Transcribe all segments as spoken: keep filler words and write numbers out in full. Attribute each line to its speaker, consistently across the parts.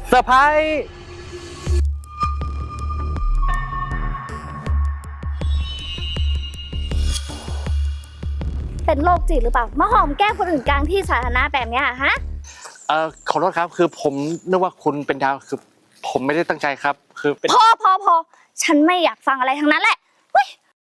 Speaker 1: เซอร์ไพรส์
Speaker 2: เป็นโรคจิตหรือเปล่ามาหอมแก้มคนอื่นกลางที่สาธารณะแบบเนี้ยฮะ
Speaker 1: เอ่อขอโทษครับคือผมนึกว่าคุณเป็นดาวคือผมไม่ได้ตั้งใจครับคือเป็น
Speaker 2: พอพอพอฉันไม่อยากฟังอะไรทั้งนั้นแหละเฮ้ย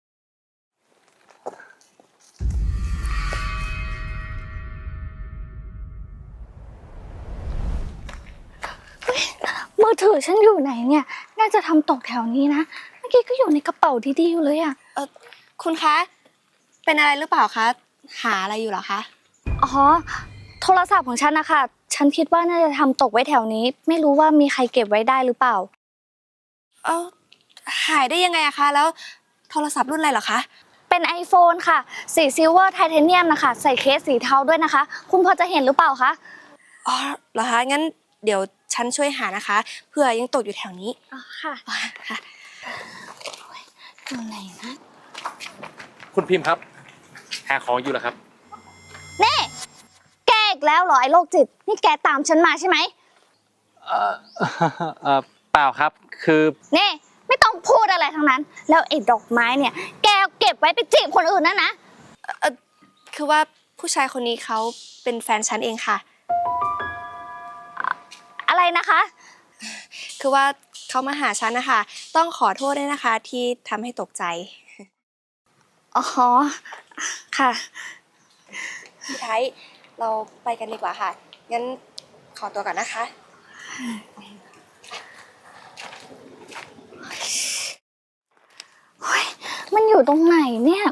Speaker 2: มือถือฉันอยู่ไหนเนี่ยน่าจะทำตกแถวนี้นะเมื่อกี้ก็อยู่ในกระเป๋าดีๆอยู่เลยอ่ะ
Speaker 3: เออคุณคะเป็นอะไรหรือเปล่าคะหาอะไรอยู่เหรอคะ
Speaker 2: อ๋อโทรศัพท์ของฉันนะคะฉันคิดว่าน่าจะทำตกไว้แถวนี้ไม่รู้ว่ามีใครเก็บไว้ได้หรือเปล่า
Speaker 3: เออหายได้ยังไงอะคะแล้วโทรศัพท์รุ่นอะไรเหรอคะ
Speaker 2: เป็น iPhone ค่ะสีซิลเวอร์ไทเทเนียมนะคะใส่เคสสีเทาด้วยนะคะคุณพอจะเห็นหรือเปล่าคะ
Speaker 3: อ๋อเหรอคะงั้นเดี๋ยวฉันช่วยหานะคะเผื่อยังตกอยู่แถวนี้
Speaker 2: อ๋อค่ะ
Speaker 3: ค่ะ
Speaker 2: อยู่ไหนนะ
Speaker 1: คุณพิมพ์ครับหาของอยู่เหรอครับ
Speaker 2: เน่แกอีกแล้วเหรอไอ้โรคจิตนี่แกตามฉันมาใช่ไหม
Speaker 1: เอ่อเอ่อเปล่าครับคือ
Speaker 2: เน่ไม่ต้องพูดอะไรทั้งนั้นแล้วไอ้ดอกไม้เนี่ยแกเก็บไว้ไปจีบคนอื่นนั่นนะ
Speaker 3: เออคือว่าผู้ชายคนนี้เขาเป็นแฟนฉันเองค่ะ
Speaker 2: อะไรนะคะ
Speaker 3: คือว่าเขามาหาฉันนะคะต้องขอโทษด้วยนะคะที่ทำให้ตกใจ
Speaker 2: อ๋อค่ะ
Speaker 3: พี่ไทยเราไปกันดีกว่าค่ะงั้นขอตัวก่อนนะคะ
Speaker 2: เฮ้ยมันอยู่ตรงไหนเนี่ย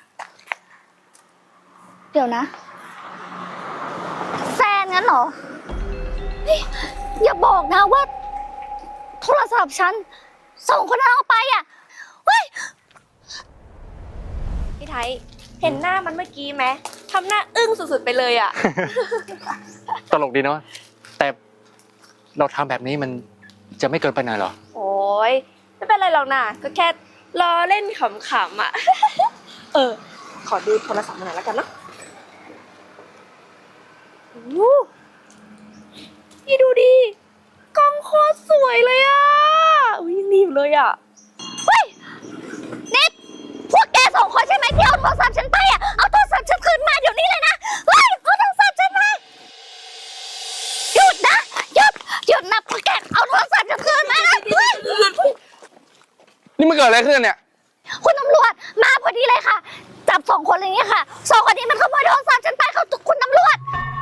Speaker 2: เดี๋ยวนะแฟนงั้นเหรออย่าบอกนะว่าโทรศัพท์ฉันส่งคนนั้นเอาไปอ่ะเฮ้ย
Speaker 3: พี่ไทยเห็นหน้ามันเมื่อกี้ไหมทำหน้าอึ้งสุดๆไปเลยอ่ะ
Speaker 1: ตลกดีเนาะแต่เราทำแบบนี้มันจะไม่เกินไปหน่อยเหรอ
Speaker 3: โอ้ยไม่เป็นไรหรอกนะก็แค่ล้อเล่นขำๆอ่ะ เออขอดูโทรศัพท์มาหน่อยแล้วกันเนาะโอ้ยดูดิกล้องโคตรสวยเลยอ่ะอุ้ยยังดีอยู่เลยอ่ะ
Speaker 2: เฮ้ยนี่พวกแกสองคนใช่ไหมที่เอาโทรศัพท์ฉันไปอ่ะเอาโทรศัพท์ฉันคืนมาเดี๋ยวนี้เลยนะเฮ้ยเอาโทรศัพท์ฉันมาหยุดนะหยุดหยุดนะพวกแกเอาโทรศัพท์ฉันคืนมานะเฮ้ย
Speaker 1: นี่มันเกิดอะไรขึ้นเนี่ย
Speaker 2: คุณตำรวจมาพอดีเลยค่ะจับสองคนเลยเนี่ยค่ะสองคนนี้มันขโมยโทรศัพท์ฉันไปเขาคุณตำรวจ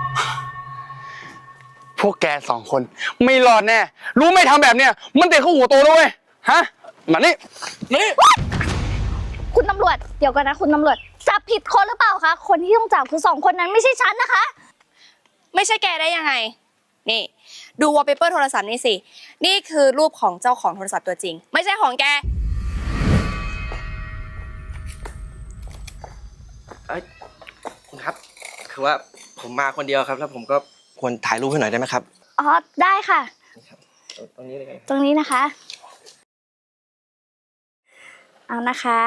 Speaker 1: พวกแกสองคนไม่รอดแน่รู้ไม่ทำแบบเนี้ยมันเตะเข้าหัวโตแล้วเว้ยฮะมานี่มานี่
Speaker 2: คุณตำรวจเดี๋ยวก่อนนะคุณตำรวจจับผิดคนหรือเปล่าคะคนที่ต้องจับคือสองคนนั้นไม่ใช่ฉันนะคะ
Speaker 3: ไม่ใช่แกได้ยังไงนี่ดูวอลเปเปอร์โทรศัพท์นี่สินี่คือรูปของเจ้าของโทรศัพท์ตัวจริงไม่ใช่ของแก
Speaker 4: เอ้ยคุณครับคือว่าผมมาคนเดียวครับแล้วผมก็ควรถ่ายรูปให้หน่อยได้ไหมครับ
Speaker 2: อ๋อได้ค่ะ
Speaker 4: ตรงนี้เลย
Speaker 2: ตรงนี้นะคะเอานะคะ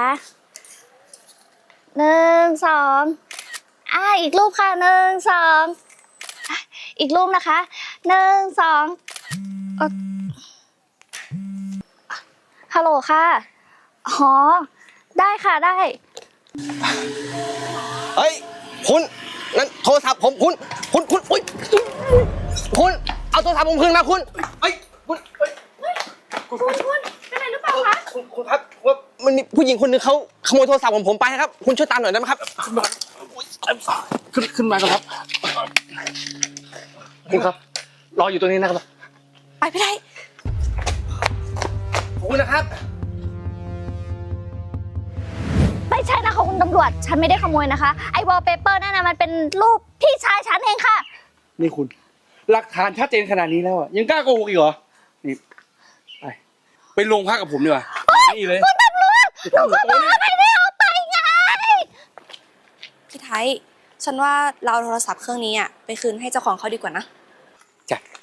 Speaker 2: หนึ่งสองอ่าอีกรูปค่ะหนึ่งสองอีกรูปนะคะหนึ่งสองฮัลโหลค่ะอ๋อได้ค่ะได้
Speaker 4: เฮ้ยคุณนั่นโทรศัพท์ผมคุณคุณคุณอุ้ยคุณเอาโทรศัพท์ผมคืนมาคุณเฮ้ยคุณ
Speaker 2: คุณคุณเป็นอะไรหรือเปล่าคะ
Speaker 4: คุณคุณครับว่ามันมีผู้หญิงคนนึงเขาขโมยโทรศัพท์ของผมไปครับคุณช่วยตามหน่อยได้ไหมครับ
Speaker 1: ขึ้นขึ้นมาก่อนครับคุณครับรออยู่ตรงนี้นะครับ
Speaker 3: ไปไม่ได้
Speaker 4: ขอบคุณนะครับ
Speaker 2: ไม่ใช่นะคะคุณตำรวจฉันไม่ได้ขโมยนะคะไอ้วอลเปเปอร์นั่นนะมันเป็นรูปพี่ชายฉันเองค่ะ
Speaker 5: นี่คุณหลักฐานชัดเจนขนาดนี้แล้วอ่ะยังกล้าโกหกอีกเหรอนี่ไปไปโรงพักกับผมดีกว่านี่เลย
Speaker 2: คุณตำรวจหนูก็บอกว่าไม่ได้เอาไปไง
Speaker 3: พี่ไทยฉันว่าเราเอาโทรศัพท์เครื่องนี้อ่ะไปคืนให้เจ้าของเขาดีกว่านะ
Speaker 1: จ้ะ